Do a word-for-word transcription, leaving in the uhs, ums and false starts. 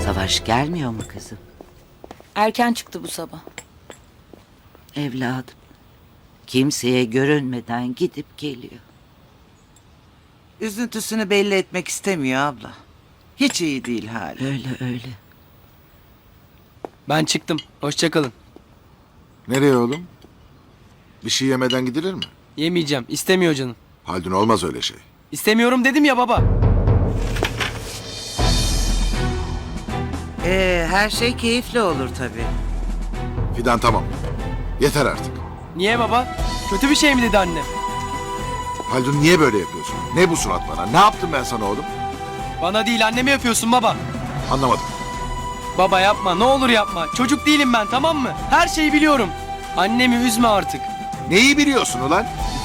Savaş gelmiyor mu kızım? Erken çıktı bu sabah. Evladım. Kimseye görünmeden gidip geliyor. Üzüntüsünü belli etmek istemiyor abla. Hiç iyi değil hali. Öyle öyle. Ben çıktım. Hoşça kalın. Nereye oğlum? Bir şey yemeden gidilir mi? Yemeyeceğim. İstemiyor canım. Haldun olmaz öyle şey. İstemiyorum dedim ya baba. Ee, her şey keyifli olur tabii. Fidan tamam. Yeter artık. Niye baba? Kötü bir şey mi dedi annem? Haldun niye böyle yapıyorsun? Ne bu surat bana? Ne yaptım ben sana oğlum? Bana değil anneme yapıyorsun baba. Anlamadım. Baba yapma, ne olur yapma. Çocuk değilim ben, tamam mı? Her şeyi biliyorum. Annemi üzme artık. Neyi biliyorsun ulan?